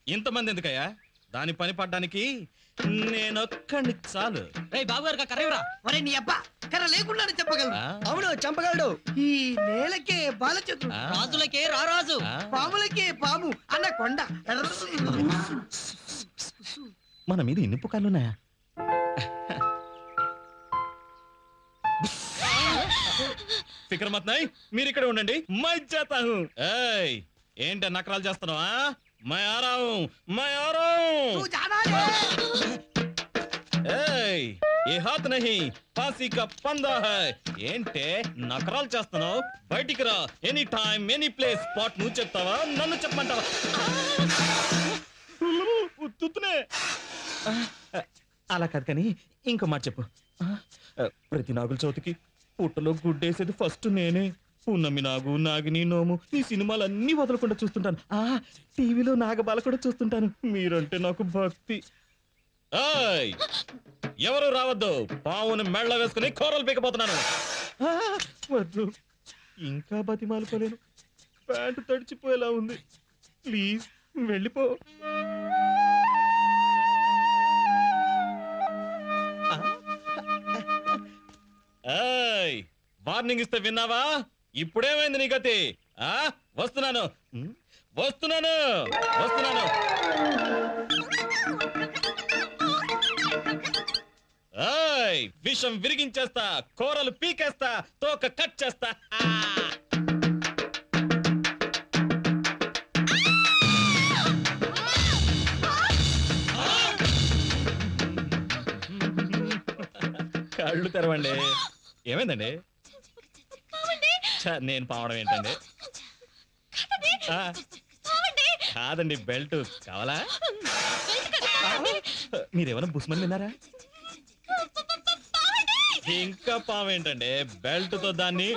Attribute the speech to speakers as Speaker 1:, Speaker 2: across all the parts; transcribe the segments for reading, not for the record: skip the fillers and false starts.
Speaker 1: ఇంతమంది ఎందుకయ్యా? దాని పని పడ్డానికి నేనొక్కడిని చాలు.
Speaker 2: బాబు గారు కర్రవరా.
Speaker 3: ఒరే నీ అబ్బా కర్ర లేకుండా చెప్పగలరు.
Speaker 4: అవును చంపగలడు.
Speaker 3: ఈ నేలకే బాలచంద్రుడు,
Speaker 2: రాజులకే రారాజు,
Speaker 3: పాములకే పాము అన్న కొండ.
Speaker 1: మన మీద ఇన్ని పుకార్లున్నాయా? ఫిక్ర్ మత్ నై, మీరు ఇక్కడ ఉండండి. మై జాతా హూ. ఏయ్, ఏంటి నకరాలు చేస్తున్నావా? మై ఆ రहा हूं, मैं आ रहा हूं.
Speaker 3: तू जाना है.
Speaker 1: ఏయ్, ఏ హాత్ నహీ ఫాసీ కా పందా హై. ఏంటే నకరాలు చేస్తున్నావు? బయటికి రా. Any time any place. Spot నువ్వు చెప్తావా, నన్ను చెప్పమంటావా? ఉత్తునే అలా కాదు కానీ ఇంకో మాట చెప్పు. ప్రతి నాగుల చవితికి పుట్టలో గుడ్డేసేది ఫస్ట్ నేనే. పున్నమి నాగు, నాగిని, నోము ఈ సినిమాలన్నీ వదలకుండా చూస్తుంటాను. టీవీలో నాగబాల కూడా చూస్తుంటాను. మీరంటే నాకు భక్తి. ఏయ్, ఎవరు రావద్దు. పావును మెళ్ళ వేసుకుని కూరలు పీకపోతున్నాను. వద్దు, ఇంకా బతిమాలుకోలేను. ప్యాంటు తడిచిపోయేలా ఉంది. ప్లీజ్ వెళ్ళిపో. ఏయ్, వార్నింగ్ ఇస్తే విన్నావా? ఇప్పుడేమైంది నీ గతి? వస్తున్నాను వస్తున్నాను వస్తున్నాను. ఏయ్, విషం విరిగించేస్తా, కూరలు పీకేస్తా, తోక కట్ చేస్తా. కళ్ళు తెరవండి. ఏమైందండి? నేను పావడం ఏంటండి? కాదండి, బెల్ట్ కావాలా? మీరేమైనా బుస్మని విన్నారా? ఇంకా పాము ఏంటండి? బెల్ట్ తో దాన్ని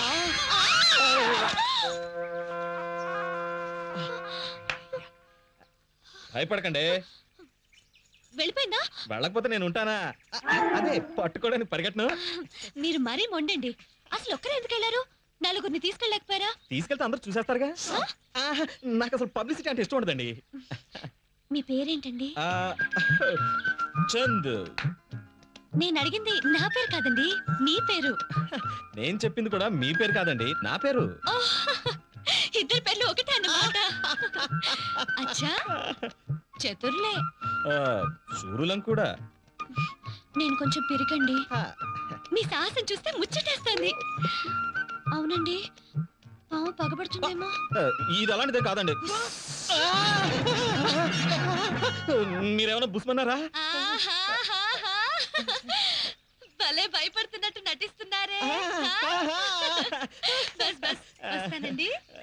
Speaker 1: భయపడకండి.
Speaker 5: వెళ్ళిపోయిందా?
Speaker 1: వెళ్ళకపోతే నేను ఉంటానా? అదే పట్టుకోవడానికి పరిగెట్టను.
Speaker 5: మీరు మరీ మొండండి. అసలు ఒక్కరే ఎందుకు వెళ్ళారు? నలుగురిని తీసుకెళ్ళలేకపోయారా?
Speaker 1: తీసుకెళ్తే అందరూ చూసేస్తారుగా. నాకు అసలు పబ్లిసిటీ అంటే ఇష్టం ఉండదండి.
Speaker 5: మీ పేరేంటండి?
Speaker 1: చంద్.
Speaker 5: నేను అడిగింది నా పేరు కాదండి, మీ పేరు.
Speaker 1: నేను చెప్పింది కూడా మీ పేరు కాదండి, నా పేరు.
Speaker 5: ఇద్దరు పేర్లు ఒకటే అన్నమాట. అచ్చా, చతుర్లే.
Speaker 1: సూరులం కూడా.
Speaker 5: నేను కొంచెం పెరిగండి. మీ సాహసం చూస్తే ముచ్చటేస్తుంది. అవునండి, పాము పగబడుతుందేమో.
Speaker 1: ఇది అలాంటిదే కాదండి. మీరేమైనా బుస్మన్నారా?
Speaker 5: భలే భయపడుతున్నట్టు నటిస్తున్నారే. బస్ బస్ వస్తానండి.